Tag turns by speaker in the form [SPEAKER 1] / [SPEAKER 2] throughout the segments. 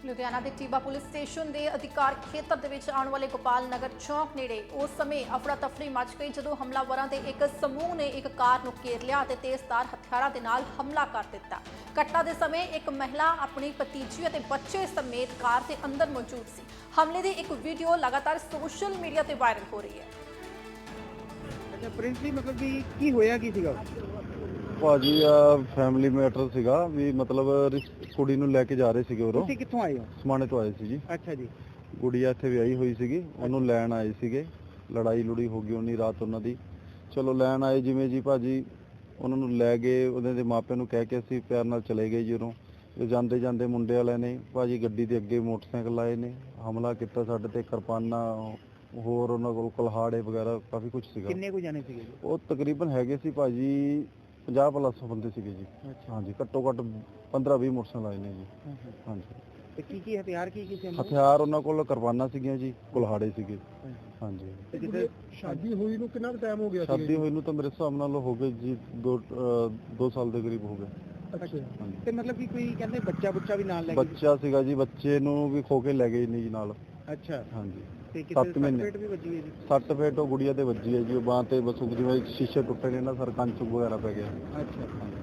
[SPEAKER 1] ਲੁਧਿਆਣਾ ਦੇ ਟੀਬਾ police station ਦੇ ਅਧਿਕਾਰ ਖੇਤਰ ਦੇ ਵਿੱਚ ਆਉਣ ਵਾਲੇ ਗੋਪਾਲ ਨਗਰ ਚੌਕ ਨੇੜੇ ਉਸ ਸਮੇਂ ਅਫੜਾ ਤਫੜੀ ਮਚ ਗਈ ਜਦੋਂ ਹਮਲਾਵਰਾਂ ਦੇ ਇੱਕ ਸਮੂਹ ਨੇ ਇੱਕ ਕਾਰ ਨੂੰ ਘੇਰ ਲਿਆ ਅਤੇ ਤੇਜ਼ਧਾਰ ਹਥਿਆਰਾਂ ਦੇ ਨਾਲ ਹਮਲਾ ਕਰ ਦਿੱਤਾ। ਘਟਨਾ ਦੇ ਸਮੇਂ ਇੱਕ ਮਹਿਲਾ ਆਪਣੀ ਭਤੀਜੀ ਅਤੇ ਬੱਚੇ ਸਮੇਤ ਕਾਰ ਦੇ ਅੰਦਰ ਮੌਜੂਦ ਸੀ। ਹਮਲੇ ਦੀ ਇੱਕ ਵੀਡੀਓ ਲਗਾਤਾਰ ਸੋਸ਼ਲ ਮੀਡੀਆ ਤੇ ਵਾਇਰਲ ਹੋ ਰਹੀ ਹੈ।
[SPEAKER 2] ਅੱਛਾ ਪ੍ਰਿੰਸਲੀ ਮਤਲਬ ਵੀ ਕੀ ਹੋਇਆ ਕੀ ਸੀਗਾ?
[SPEAKER 3] ਭਾਜੀ ਫੈਮਿਲੀ ਮੈਟਰ ਸੀਗਾ ਵੀ ਮਤਲਬ ਕੁੜੀ ਨੂੰ ਲੈ ਕੇ ਜਾ ਰਹੇ ਸੀਗੇ ਉਰੋਂ।
[SPEAKER 2] ਤੁਸੀਂ ਕਿੱਥੋਂ ਆਏ ਹੋ?
[SPEAKER 3] ਸਮਾਣੇ ਤੋਂ ਆਏ ਸੀ ਜੀ।
[SPEAKER 2] ਅੱਛਾ ਜੀ।
[SPEAKER 3] ਗੁੜੀਆ ਇੱਥੇ ਵਿਆਹੀ ਹੋਈ ਸੀਗੀ, ਉਹਨੂੰ ਲੈਣ ਆਏ ਸੀਗੇ। ਲੜਾਈ ਲੁੜੀ ਹੋ ਗਈ ਉਹਨੀ ਰਾਤ ਉਹਨਾਂ ਦੀ। ਚਲੋ ਲੈਣ ਆਏ ਜਿਵੇਂ ਜੀ ਭਾਜੀ ਉਹਨਾਂ ਨੂੰ ਲੈ ਗਏ, ਉਹਨਾਂ ਦੇ ਮਾਪਿਆਂ ਨੂੰ ਕਹਿ ਕੇ ਅਸੀਂ ਪਿਆਰ ਨਾਲ ਚਲੇ ਗਏ ਜੀ ਉਰੋਂ। ਜਾਂਦੇ ਜਾਂਦੇ ਮੁੰਡੇ ਵਾਲਿਆਂ ਨੇ ਭਾਜੀ ਗੱਡੀ ਦੇ ਅੱਗੇ ਮੋਟਰਸਾਈਕਲ ਆਏ ਨੇ, ਹਮਲਾ ਕੀਤਾ ਸਾਡੇ ਤੇ, ਕਿਰਪਾਨਾਂ ਹੋਰ ਉਹਨਾਂ ਕੋਲ ਕੁਲਹਾੜੇ ਵਗੈਰਾ ਕਾਫੀ ਕੁਝ ਸੀਗਾ।
[SPEAKER 2] ਕਿੰਨੇ ਕੁ ਜਾਣੇ ਸੀਗੇ?
[SPEAKER 3] ਉਹ ਤਕਰੀਬਨ ਹੈਗੇ ਸੀ ਭਾਜੀ 50 ਪਲੱਸ ਬੰਦੇ ਸੀਗੇ ਜੀ। ਹਾਂਜੀ, ਘੱਟੋ ਘੱਟ 15-20 ਮੋਟਰਸਾਈਕਲ ਆਏ ਨੇ ਜੀ। ਹਾਂਜੀ।
[SPEAKER 2] ਤੇ ਕੀ ਹਥਿਆਰ ਕੀ ਸੀ?
[SPEAKER 3] ਹਥਿਆਰ ਉਹਨਾਂ ਕੋਲ ਕਿਰਪਾਨਾਂ ਸੀਗੀਆਂ ਜੀ, ਕੁਲਹਾੜੇ ਸੀਗੇ। ਹਾਂਜੀ।
[SPEAKER 2] ਤੇ ਜਿੱਥੇ ਸ਼ਾਦੀ ਹੋਈ ਨੂੰ ਕਿੰਨਾ ਟਾਈਮ ਹੋ ਗਿਆ?
[SPEAKER 3] ਸ਼ਾਦੀ ਹੋਈ ਨੂੰ ਤਾਂ ਮੇਰੇ ਹਿਸਾਬ ਨਾਲ ਹੋ ਗਏ ਜੀ 2 ਸਾਲ ਦੇ ਕਰੀਬ ਹੋ ਗਏ।
[SPEAKER 2] ਅੱਛਾ। ਤੇ ਮਤਲਬ ਕਿ ਕੋਈ ਕਹਿੰਦੇ ਬੱਚਾ ਵੀ ਨਾਲ ਲੈ ਕੇ?
[SPEAKER 3] ਬੱਚਾ ਸੀਗਾ ਜੀ, ਬੱਚੇ ਨੂੰ ਵੀ ਖੋ ਕੇ ਲੈ ਗਏ ਨੇ ਜੀ ਨਾਲ।
[SPEAKER 2] ਅੱਛਾ।
[SPEAKER 3] ਹਾਂਜੀ।
[SPEAKER 2] ਤੇ
[SPEAKER 3] 7 ਮਹੀਨੇ
[SPEAKER 2] ਪੇਟ ਵੀ ਵੱਜੀ ਹੈ ਜੀ?
[SPEAKER 3] 6 ਫੇਟ ਉਹ ਗੁੜੀਆ ਤੇ ਵੱਜੀ ਹੈ ਜੀ, ਉਹ ਬਾਂਹ ਤੇ ਬਸ ਜਿਵੇਂ ਸ਼ੀਸ਼ੇ ਟੁੱਟੇ ਨੇ ਨਾ ਸਰ, ਕੰਚ ਵਗੈਰਾ ਪੈ ਗਿਆ।
[SPEAKER 2] ਅੱਛਾ।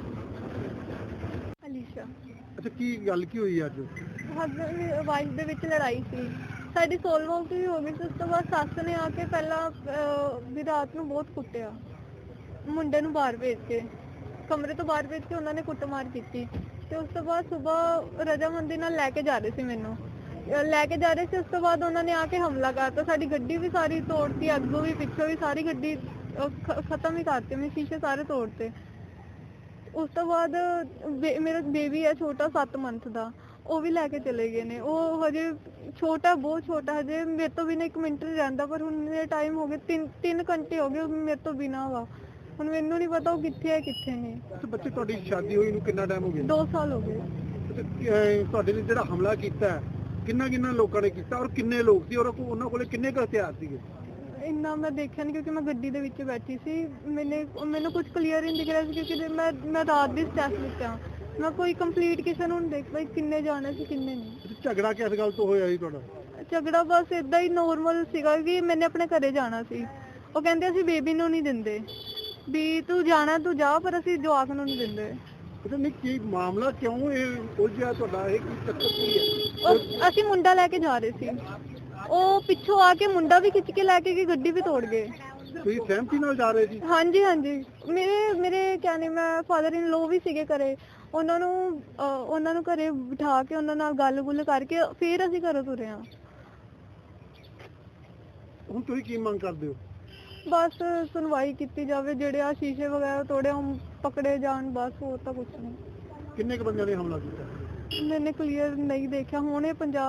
[SPEAKER 4] ਅਲੀਸ਼ਾ।
[SPEAKER 2] ਅੱਛਾ, ਕੀ ਗੱਲ ਕੀ ਹੋਈ ਅੱਜ?
[SPEAKER 4] ਹਸਬੈਂਡ ਵਾਈਫ ਦੇ ਵਿੱਚ ਲੜਾਈ ਸੀ ਸਾਡੀ, ਸੋਲ ਵਾਕ ਵੀ ਹੋ ਗਈ ਸੀ। ਉਸ ਤੋਂ ਬਾਅਦ ਸੱਸ ਨੇ ਆ ਕੇ ਪਹਿਲਾਂ ਵੀ ਰਾਤ ਨੂੰ ਬਹੁਤ ਕੁੱਟਿਆ, ਮੁੰਡੇ ਨੂੰ ਬਾਹਰ ਭੇਜ ਕੇ, ਕਮਰੇ ਤੋਂ ਬਾਹਰ ਭੇਜ ਕੇ ਉਹਨਾਂ ਨੇ ਕੁੱਟਮਾਰ ਕੀਤੀ। ਤੇ ਉਸ ਤੋਂ ਬਾਅਦ ਸਵੇਰ ਰਜਾਮੰਦੀ ਨਾਲ ਲੈ ਕੇ ਜਾ ਰਹੇ ਸੀ, ਮੈਨੂੰ ਲੈ ਕੇ ਜਾ ਰਹੇ ਸੀ। ਉਸ ਤੋਂ ਬਾਅਦ ਉਹਨਾਂ ਨੇ ਆ ਕੇ ਹਮਲਾ ਕਰਤਾ, ਸਾਡੀ ਗੱਡੀ ਵੀ ਸਾਰੀ ਤੋੜਤੀ, ਅੱਗੋਂ ਵੀ ਪਿੱਛੋਂ ਵੀ ਸਾਰੀ ਗੱਡੀ ਖਤਮ ਹੀ ਕਰਤੀ, ਮੇਰੇ ਸ਼ੀਸ਼ੇ ਸਾਰੇ ਤੋੜਤੇ। ਉਸ ਤੋਂ ਬਾਅਦ ਮੇਰਾ ਬੇਬੀ ਹੈ ਛੋਟਾ 7 ਮੰਥ ਦਾ, ਉਹ ਵੀ ਲੈ ਕੇ ਚਲੇ ਗਏ ਨੇ। ਉਹ ਹਜੇ ਛੋਟਾ, ਬਹੁਤ ਛੋਟਾ, ਹਜੇ ਮੇਰੇ ਤੋਂ ਬਿਨਾਂ 1 ਮਿੰਟ ਨਹੀਂ ਰਹਿੰਦਾ। ਪਰ ਹੁਣ ਮੇਰੇ ਟਾਈਮ ਹੋ ਗਏ 3 ਘੰਟੇ ਹੋ ਗਏ ਮੇਰੇ ਤੋਂ ਬਿਨਾਂ ਵਾ। ਹੁਣ ਮੈਨੂੰ ਨਹੀਂ ਪਤਾ ਉਹ ਕਿੱਥੇ ਹੈ ਕਿੱਥੇ ਨਹੀਂ।
[SPEAKER 2] ਅੱਛਾ, ਬੱਚੇ ਤੁਹਾਡੀ ਸ਼ਾਦੀ ਹੋਈ ਨੂੰ ਕਿੰਨਾ ਟਾਈਮ ਹੋ ਗਿਆ?
[SPEAKER 4] 2 ਸਾਲ ਹੋ ਗਏ।
[SPEAKER 2] ਤੁਹਾਡੇ ਨੇ ਜਿਹੜਾ ਹਮਲਾ ਕੀਤਾ ਕਿੰਨਾ ਲੋਕਾਂ ਨੇ ਕੀਤਾ ਔਰ ਕਿੰਨੇ ਲੋਕ ਸੀ ਔਰ ਉਹਨਾਂ ਕੋਲੇ ਕਿੰਨੇ ਕੁ ਹਥਿਆਰ ਸੀਗੇ?
[SPEAKER 4] ਇੰਨਾ ਮੈਂ ਦੇਖਿਆ ਨਹੀਂ ਕਿਉਂਕਿ ਮੈਂ ਗੱਡੀ ਦੇ ਵਿੱਚ ਬੈਠੀ ਸੀ। ਮੈਨੂੰ ਕੁਝ ਕਲੀਅਰ ਨਹੀਂ ਦਿਖ ਰਿਹਾ ਸੀ ਕਿਉਂਕਿ ਮੈਂ ਰਾਤ ਦੀ ਸਟੈਪ ਵਿੱਚ ਆ। ਮੈਂ ਕੋਈ ਕੰਪਲੀਟ ਕਿਸੇ ਨੂੰ ਨਹੀਂ ਦੇਖ ਪਾਈ ਕਿੰਨੇ ਜਾਣੇ ਸੀ ਕਿੰਨੇ ਨਹੀਂ।
[SPEAKER 2] ਝਗੜਾ ਕਿਸ ਗੱਲ ਤੋਂ ਹੋਇਆ ਸੀ ਤੁਹਾਡਾ?
[SPEAKER 4] ਝਗੜਾ ਬਸ ਇਦਾਂ ਹੀ ਨੋਰਮਲ ਸੀਗਾ ਕਿ ਮੈਨੇ ਆਪਣੇ ਘਰੇ ਜਾਣਾ ਸੀ। ਉਹ ਕਹਿੰਦੇ ਅਸੀਂ ਬੇਬੀ ਨੂੰ ਨਹੀਂ ਦਿੰਦੇ, ਵੀ ਤੂੰ ਜਾਣਾ ਤੂੰ ਜਾ, ਪਰ ਅਸੀਂ ਜਵਾਕ ਨੂੰ ਨਹੀਂ ਦਿੰਦੇ।
[SPEAKER 2] ਪਤਾ ਨਹੀਂ ਕੀ ਮਾਮਲਾ, ਕਿਉਂ ਇਹ ਉਲਝਿਆ ਤੁਹਾਡਾ, ਇਹ ਕੀ ਚੱਕਰ ਕੀ ਹੈ?
[SPEAKER 4] ਅਸੀਂ ਮੁੰਡਾ ਲੈ ਕੇ ਜਾ ਰਹੇ ਸੀ, ਉਹ ਪਿੱਛੋਂ ਆ ਕੇ ਮੁੰਡਾ ਵੀ ਖਿੱਚ ਕੇ ਲੈ ਕੇ ਗਈ, ਗੱਡੀ ਵੀ ਤੋੜ ਗਏ।
[SPEAKER 2] ਤੁਸੀਂ ਸਹਿਮਤੀ ਨਾਲ ਜਾ ਰਹੇ ਸੀ?
[SPEAKER 4] ਹਾਂਜੀ ਹਾਂਜੀ। ਮੇਰੇ ਕਹਿੰਦੇ ਮੈਂ ਫਾਦਰ ਇਨ ਲੋ ਵੀ ਸੀਗੇ ਘਰੇ, ਉਹਨਾਂ ਨੂੰ ਘਰੇ ਬਿਠਾ ਕੇ ਉਹਨਾਂ ਨਾਲ ਗੱਲ-ਗੁੱਲ ਕਰਕੇ ਫਿਰ ਅਸੀਂ ਘਰੋਂ ਤੁਰੇ ਹਾਂ।
[SPEAKER 2] ਹੁਣ ਤੁਸੀਂ ਕੀ ਮੰਗ ਕਰਦੇ ਹੋ?
[SPEAKER 4] ਬਸ ਸੁਣਵਾਈ ਕੀਤੀ ਜਾਵੇ, ਜਿਹੜੇ ਆ ਸ਼ੀਸ਼ੇ ਵਗੈਰਾ ਤੋੜੇ ਉਹ ਪਕੜੇ ਜਾਣ, ਬਸ ਹੋਰ ਤਾਂ ਕੁਝ ਨਹੀਂ।
[SPEAKER 2] ਕਿੰਨੇ ਕੁ ਬੰਦਿਆਂ ਨੇ ਹਮਲਾ ਕੀਤਾ?
[SPEAKER 4] ਮੈਨੇ ਕਲੀਅਰ ਨਹੀਂ ਦੇਖਿਆ। ਹੁਣ ਇਹ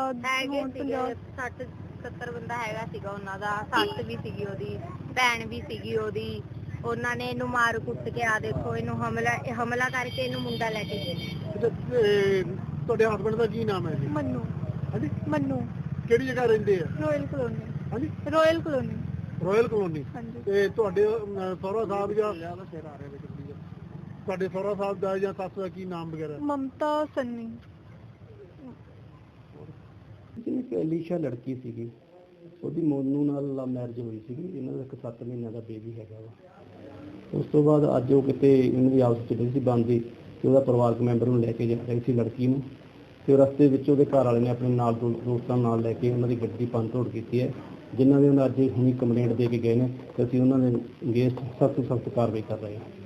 [SPEAKER 5] 60-70 ਬੰਦਾ ਹੈਗਾ ਸੀਗਾ ਉਹਨਾਂ ਦਾ। ਸੱਸ ਵੀ ਸੀਗੀ ਉਹਦੀ, ਭੈਣ ਵੀ ਸੀਗੀ ਉਹਦੀ। ਉਹਨਾਂ ਨੇ ਇਹਨੂੰ ਮਾਰ ਕੁੱਟ ਕੇ ਆ ਦੇਖੋ ਇਹਨੂੰ ਹਮਲਾ ਕਰਕੇ ਇਹਨੂੰ ਮੁੰਡਾ ਲੈ ਕੇ ਗਏ।
[SPEAKER 2] ਤੁਹਾਡੇ ਹਸਬੰਡ ਦਾ ਕੀ ਨਾਮ ਹੈ ਜੀ?
[SPEAKER 4] ਮੰਨੂ।
[SPEAKER 2] ਹਾਂਜੀ,
[SPEAKER 4] ਮੰਨੂ।
[SPEAKER 2] ਕਿਹੜੀ ਜਗ੍ਹਾ ਰਹਿੰਦੇ ਆ?
[SPEAKER 4] Royal colony.
[SPEAKER 2] ਹਾਂਜੀ,
[SPEAKER 4] ਰਾਇਲ ਕਲੋਨੀ।
[SPEAKER 2] Royal colony.
[SPEAKER 4] ਹਾਂਜੀ।
[SPEAKER 2] ਤੇ ਤੁਹਾਡੇ ਸਹੁਰਾ ਸਾਹਿਬ ਜਾਂ ਤੁਹਾਡੇ ਸਹੁਰਾ ਸਾਹਿਬ ਦਾ ਜਾਂ ਸੱਸ ਦਾ ਕੀ ਨਾਮ ਵਗੈਰਾ?
[SPEAKER 4] ਮਮਤਾ ਸੰਨੀ।
[SPEAKER 6] ਇੱਕ ਅਲੀਸ਼ਾ ਲੜਕੀ ਸੀਗੀ, ਉਹਦੀ ਮੋਨੂ ਨਾਲ ਲਵ ਮੈਰਿਜ ਹੋਈ ਸੀਗੀ। ਇਹਨਾਂ ਦਾ ਇੱਕ 7 ਮਹੀਨਿਆਂ ਦਾ ਬੇਬੀ ਹੈਗਾ ਵਾ। ਉਸ ਤੋਂ ਬਾਅਦ ਅੱਜ ਉਹ ਕਿਤੇ ਇਹਨਾਂ ਦੀ ਆਪਸ ਚ ਸੀ ਬਣਦੀ, ਤੇ ਉਹਦਾ ਪਰਿਵਾਰਕ ਮੈਂਬਰ ਨੂੰ ਲੈ ਕੇ ਜਾ ਰਹੀ ਸੀ ਲੜਕੀ ਨੂੰ, ਤੇ ਰਸਤੇ ਵਿੱਚ ਉਹਦੇ ਘਰ ਵਾਲੇ ਨੇ ਆਪਣੇ ਨਾਲ ਦੋਸਤਾਂ ਨਾਲ ਲੈ ਕੇ ਉਹਨਾਂ ਦੀ ਗੱਡੀ ਭੰਨ ਤੋੜ ਕੀਤੀ ਹੈ, ਜਿਨ੍ਹਾਂ ਦੇ ਉਹਨਾਂ ਅੱਜ ਹੁਣੀ ਕੰਪਲੇਂਟ ਦੇ ਕੇ ਗਏ ਨੇ। ਤੇ ਅਸੀਂ ਉਹਨਾਂ ਦੇ ਅਗੇਂਸਟ ਸਖਤ ਕਾਰਵਾਈ ਕਰ ਰਹੇ ਹਾਂ।